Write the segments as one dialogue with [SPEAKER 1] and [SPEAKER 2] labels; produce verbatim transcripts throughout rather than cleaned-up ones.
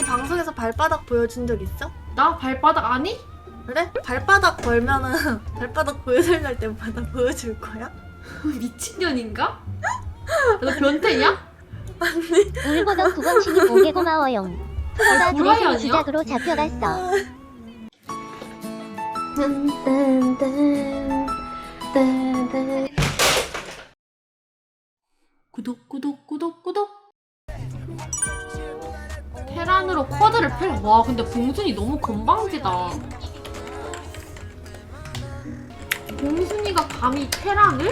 [SPEAKER 1] 방송에서 발바닥 보여준 적 있어?
[SPEAKER 2] 나 발바닥 아니?
[SPEAKER 1] 그래? 발바닥 벌면은 발바닥 보여달랄 때마다 보여줄 거야?
[SPEAKER 2] 미친년인가? 너 변태냐?
[SPEAKER 3] 울보던 구번신이 오게 고마워요. 투보다
[SPEAKER 2] 아, 구라이
[SPEAKER 3] 드레스
[SPEAKER 2] 아니야?
[SPEAKER 3] 시작으로 잡혀갔어.
[SPEAKER 2] 구독 구독 구독 구독. 테란으로 쿼드를 펼. 와 근데 봉순이 너무 건방지다. 봉순이가 감히 테란을?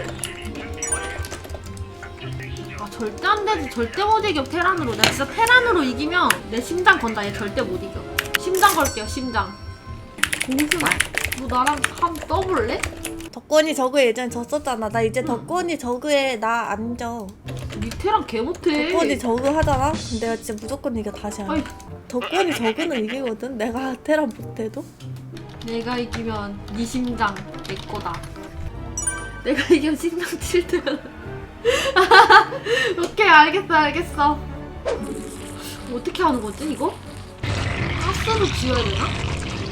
[SPEAKER 2] 아 절대 안 되지. 절대 못 이겨 테란으로. 나 진짜 테란으로 이기면 내 심장 건다. 얘 절대 못 이겨. 심장 걸게요 심장. 봉순아 너 나랑 한 떠볼래?
[SPEAKER 1] 덕권이 저그 예전에 졌었잖아. 나 이제 덕권이 저그에 나 안 져.
[SPEAKER 2] 니 테란 개 못해.
[SPEAKER 1] 덕권이 저그 하잖아? 근데 내가 진짜 무조건 이겨 다시 하네.
[SPEAKER 2] 아이,
[SPEAKER 1] 덕권이 저그는 이기거든? 내가 테란 못해도?
[SPEAKER 2] 내가 이기면 네 심장 내 거다. 내가 이기면 심장 칠등. 오케이 알겠어 알겠어. 어떻게 하는 거지 이거? 가스로 지어야 되나?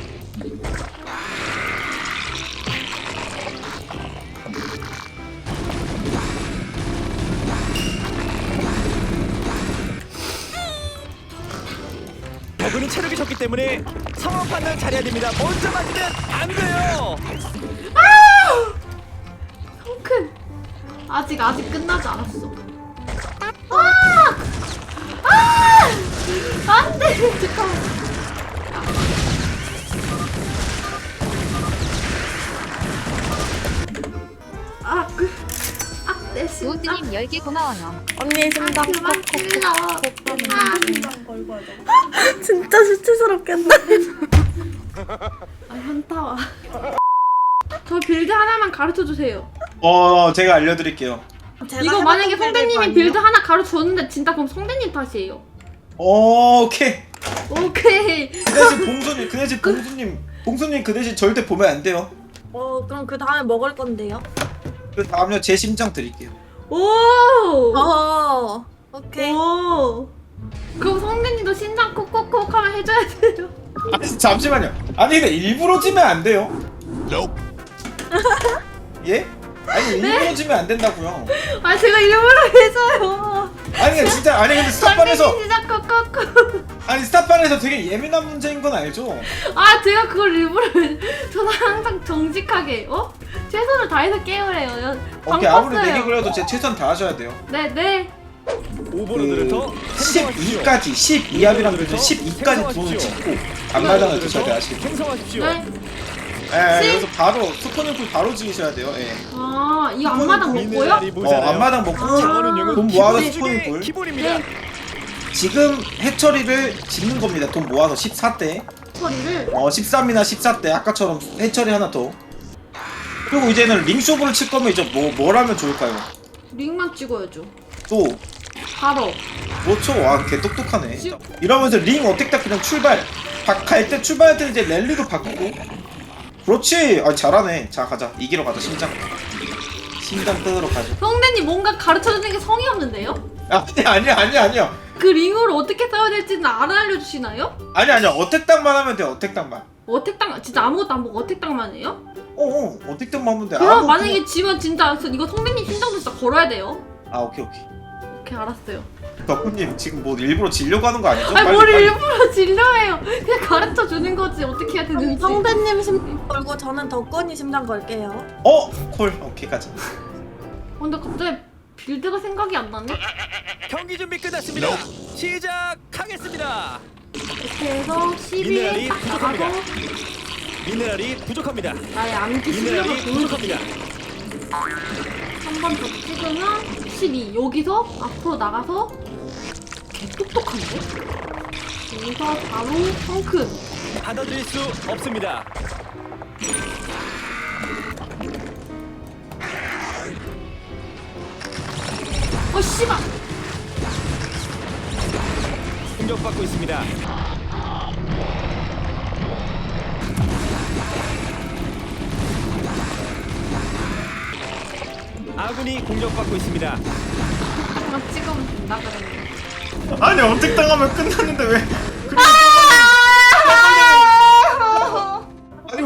[SPEAKER 4] 저그는 체력이 적기 때문에 상황 판단 잘해야 됩니다. 먼저 맞으면 안 돼요.
[SPEAKER 2] 성큰 아직 아직 끝나지 않았어. 아! 아! 안돼 잠깐만. 아 그. 아, 내 심장.
[SPEAKER 3] 우드님 열 개 고마워요.
[SPEAKER 1] 언니 심장
[SPEAKER 2] 그만 찔러.
[SPEAKER 1] 심장 걸고 하자. 진짜 수치스럽겠네.
[SPEAKER 2] 아 현타와. 저 빌드 하나만 가르쳐 주세요.
[SPEAKER 5] 어, 제가 알려드릴게요.
[SPEAKER 2] 이거 만약에 성대님이 빌드 하나 가르쳐 줬는데 진짜 그럼 성대님 탓이에요.
[SPEAKER 5] 어, 오케이.
[SPEAKER 2] 오케이.
[SPEAKER 5] 그 대신 봉수님, 그 대신 봉수님, 봉수님 그 대신 절대 보면 안 돼요.
[SPEAKER 1] 어 그럼 그 다음에 먹을 건데요?
[SPEAKER 5] 그 다음에 제 심장 드릴게요.
[SPEAKER 2] 오.
[SPEAKER 1] 어 오케이.
[SPEAKER 2] 오. 그럼 성대님도 심장 콕콕콕 하면 해줘야 돼요.
[SPEAKER 5] 아니, 잠시만요. 아니, 근데 일부러 지면 안 돼요. 예? 아니, 일부러 지면 안 된다고요.
[SPEAKER 2] 아 제가 일부러 해줘요.
[SPEAKER 5] 아니, 진짜, 아니, 근데 스타판에서,
[SPEAKER 2] 성대님 심장 콕콕콕.
[SPEAKER 5] 아니, 스타판에서 되게 예민한 문제인 건 알죠?
[SPEAKER 2] 아 제가 그걸 일부러 저는 항상 정직하게 어? 최선을 다해서 깨우래요.
[SPEAKER 5] 오케이, 아무리 내기 그래도 제 최선 다하셔야 돼요.
[SPEAKER 2] 네네.
[SPEAKER 4] 오버로드를 더
[SPEAKER 5] 그 십이까지, 십이 합이랑 기준 십이까지 드론을 찍고 앞마당을 드셔야 돼요, 아시겠죠?
[SPEAKER 4] 생성하십시오.
[SPEAKER 2] 네.
[SPEAKER 5] 예,
[SPEAKER 2] 십?
[SPEAKER 5] 그래서 바로, 스포닝풀 바로 지으셔야 돼요, 예.
[SPEAKER 2] 아 이거 앞마당 먹고요?
[SPEAKER 5] 어, 앞마당 먹고, 돈 모아서 스포닝풀.
[SPEAKER 4] 기본입니다.
[SPEAKER 2] 네.
[SPEAKER 5] 지금 해처리를 짓는 겁니다. 돈 모아서 십사 대.
[SPEAKER 2] 소리를.
[SPEAKER 5] 어, 십삼이나 십사 대. 아까처럼 해처리 하나 더. 그리고 이제는 링쇼브를 칠 거면 이제 뭐, 뭘 하면 좋을까요?
[SPEAKER 2] 링만 찍어야죠.
[SPEAKER 5] 또,
[SPEAKER 2] 바로.
[SPEAKER 5] 그렇죠. 와, 개 똑똑하네.
[SPEAKER 2] 지-
[SPEAKER 5] 이러면서 링 어택 딱 그냥 출발. 갈 때 출발할 때 이제 랠리도 바꾸고. 그렇지. 아, 잘하네. 자, 가자. 이기러 가자. 심장. 심장 뜯으러 가자.
[SPEAKER 2] 성대님 뭔가 가르쳐주는 게 성의 없는데요?
[SPEAKER 5] 아니, 아니야, 아니야, 아니야.
[SPEAKER 2] 그 링을 어떻게 써야 될지는 안 알려주시나요?
[SPEAKER 5] 아니, 아니야. 어택당만 하면 돼. 어택당만.
[SPEAKER 2] 어택당 진짜 아무것도 안 보고 어택당만 해요?
[SPEAKER 5] 어, 어. 어택당만 하면 돼.
[SPEAKER 2] 그럼
[SPEAKER 5] 아무-
[SPEAKER 2] 만약에 지면 진짜 저 이거 성대님 심장도 진짜 걸어야 돼요.
[SPEAKER 5] 아, 오케이, 오케이.
[SPEAKER 2] 오케이 알았어요.
[SPEAKER 5] 덕후님 지금 뭐 일부러 지려고 하는 거 아니죠?
[SPEAKER 2] 아니
[SPEAKER 5] 빨리,
[SPEAKER 2] 뭘
[SPEAKER 5] 빨리.
[SPEAKER 2] 일부러 진료해요. 그냥 가르쳐 주는 거지 어떻게 해야 되는지.
[SPEAKER 1] 성대님 심장 걸고 저는 덕권이 심장 걸게요.
[SPEAKER 5] 어? 콜. 오케이, 가자.
[SPEAKER 2] 어, 근데 갑자기 빌드가 생각이 안 나네?
[SPEAKER 4] 경기 준비 끝났습니다. 시작하겠습니다.
[SPEAKER 2] 이렇게 해서 십이에
[SPEAKER 4] 미네랄이
[SPEAKER 2] 딱
[SPEAKER 4] 부족합니다.
[SPEAKER 2] 나가고
[SPEAKER 4] 미네랄이 부족합니다.
[SPEAKER 2] 나의 암기 실력을
[SPEAKER 4] 미네랄이
[SPEAKER 2] 보여줘.
[SPEAKER 4] 부족합니다.
[SPEAKER 2] 한 번 더 찍으면 십이. 여기서 앞으로 나가서 개 똑똑한데? 여기서 바로 펑크.
[SPEAKER 4] 받아들일 수 없습니다.
[SPEAKER 2] 어 씨발.
[SPEAKER 4] 공격받고 있습니다. 아군이 공격받고 있습니다.
[SPEAKER 2] 그럼 찍으면 된다 그랬네.
[SPEAKER 5] 아니 어택당하면 끝났는데 왜?
[SPEAKER 2] 아!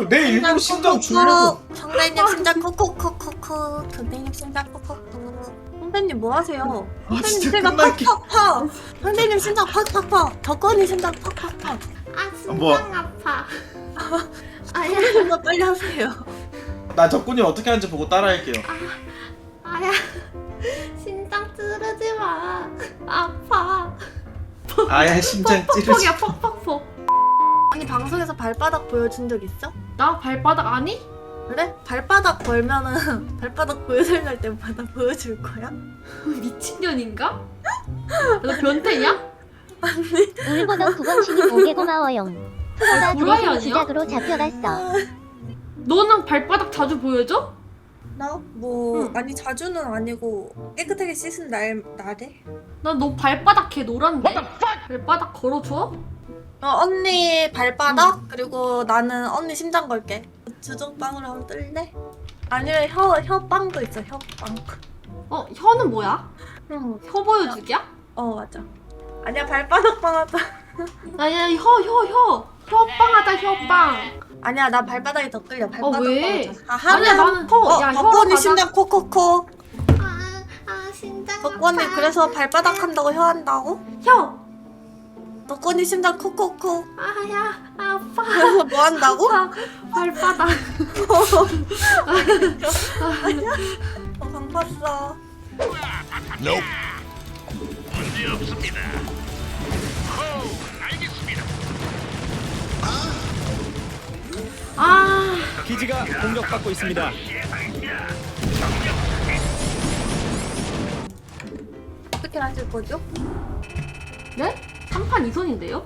[SPEAKER 5] 내 일부러 심장 주려고.
[SPEAKER 1] 선배님 심장 코코코코코. 선배님 심장 코코코. 선배님 뭐 하세요?
[SPEAKER 5] 아
[SPEAKER 1] 선배님
[SPEAKER 5] 진짜
[SPEAKER 1] 심장
[SPEAKER 5] 끝날게.
[SPEAKER 1] 팍팍팍. 선배님 심장 팍팍팍. 덕건이 심장 팍팍팍.
[SPEAKER 2] 아 심장
[SPEAKER 5] 뭐?
[SPEAKER 2] 아파. 아야
[SPEAKER 1] 좀 더 빨리 하세요.
[SPEAKER 5] 나 덕분이 어떻게 하는지 보고 따라할게요.
[SPEAKER 2] 아야 심장 찌르지 마. 아파.
[SPEAKER 5] 아야 심장 찌르지.
[SPEAKER 2] 퍽퍽이야 퍽퍽퍽.
[SPEAKER 1] 아니 방송에서 발바닥 보여준 적 있어?
[SPEAKER 2] 나 발바닥 아니?
[SPEAKER 1] 그래? 발바닥 벌면은 발바닥 보여달랄 때마다 보여줄 거야?
[SPEAKER 2] 미친년인가? 너 변태냐?
[SPEAKER 3] 울보덕 두 번 치니 오개 고마워요. 투자가
[SPEAKER 2] 구라야,
[SPEAKER 3] 그래서
[SPEAKER 2] 아니야?
[SPEAKER 3] 주작으로 잡혀갔어.
[SPEAKER 2] 너는 발바닥 자주 보여줘?
[SPEAKER 1] 나? 뭐
[SPEAKER 2] 응.
[SPEAKER 1] 아니 자주는 아니고 깨끗하게 씻은 날 날에?
[SPEAKER 2] 난 너 발바닥 개 노란데? 발바닥 걸어줘?
[SPEAKER 1] 어, 언니 발바닥 그리고 나는 언니 심장 걸게. 주정빵으로 한번 뜰래? 아니면 혀 혀빵도 있어 혀빵.
[SPEAKER 2] 어 혀는 뭐야?
[SPEAKER 1] 응.
[SPEAKER 2] 혀 보여주기야?
[SPEAKER 1] 어 맞아. 아니야 발바닥빵 하자.
[SPEAKER 2] 아니야 혀 혀 혀 혀빵 하자 혀빵.
[SPEAKER 1] 아니야 나 발바닥이 더 끌려. 발바닥
[SPEAKER 2] 왜?
[SPEAKER 1] 하자. 아
[SPEAKER 2] 아니야
[SPEAKER 1] 하면
[SPEAKER 2] 나는 혀.
[SPEAKER 1] 어
[SPEAKER 2] 야 혀로
[SPEAKER 1] 덕권이
[SPEAKER 2] 가자.
[SPEAKER 1] 심장 코코코.
[SPEAKER 2] 아, 아 심장
[SPEAKER 1] 덕권이 그래서 발바닥 한다고 혀 한다고?
[SPEAKER 2] 혀.
[SPEAKER 1] 덕권이 심장 코코코.
[SPEAKER 2] 아야 아파.
[SPEAKER 1] 그래서 뭐 한다고?
[SPEAKER 2] 아, 발바닥.
[SPEAKER 1] 어 강팠어.
[SPEAKER 2] 아
[SPEAKER 4] 기지가 공격받고 있습니다.
[SPEAKER 1] 어떻게 하실 거죠?
[SPEAKER 2] 네? 삼판 이선인데요?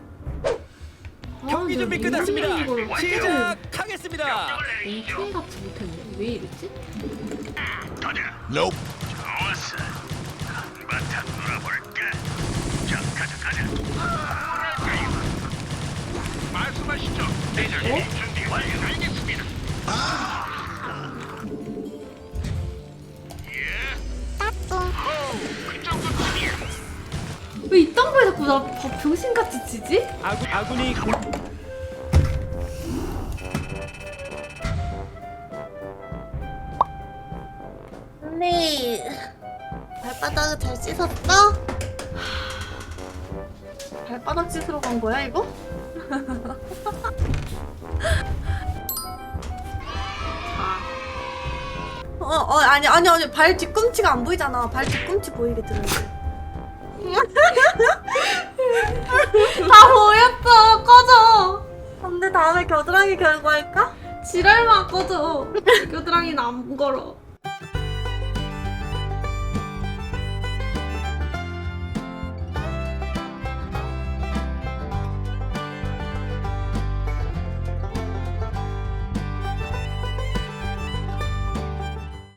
[SPEAKER 4] 경기 준비 끝났습니다.
[SPEAKER 2] 이걸
[SPEAKER 4] 시작하겠습니다.
[SPEAKER 2] 엉뚱이 같이 못했네. 왜 이랬지? 왜 이딴 거에 자꾸 나 바- 병신같이 치지?
[SPEAKER 4] 아군 아군이 공...
[SPEAKER 1] 언니 발바닥을 잘 씻었어? 발바닥 씻으러 간 거야 이거? 어, 어 아니 아니 아니 발 뒤꿈치가 안 보이잖아. 발 뒤꿈치 보이게 들어야 돼.
[SPEAKER 2] 다 보였어. 꺼져.
[SPEAKER 1] 근데 다음에 겨드랑이 결과할까?
[SPEAKER 2] 지랄마 꺼져. 겨드랑이는 안 걸어.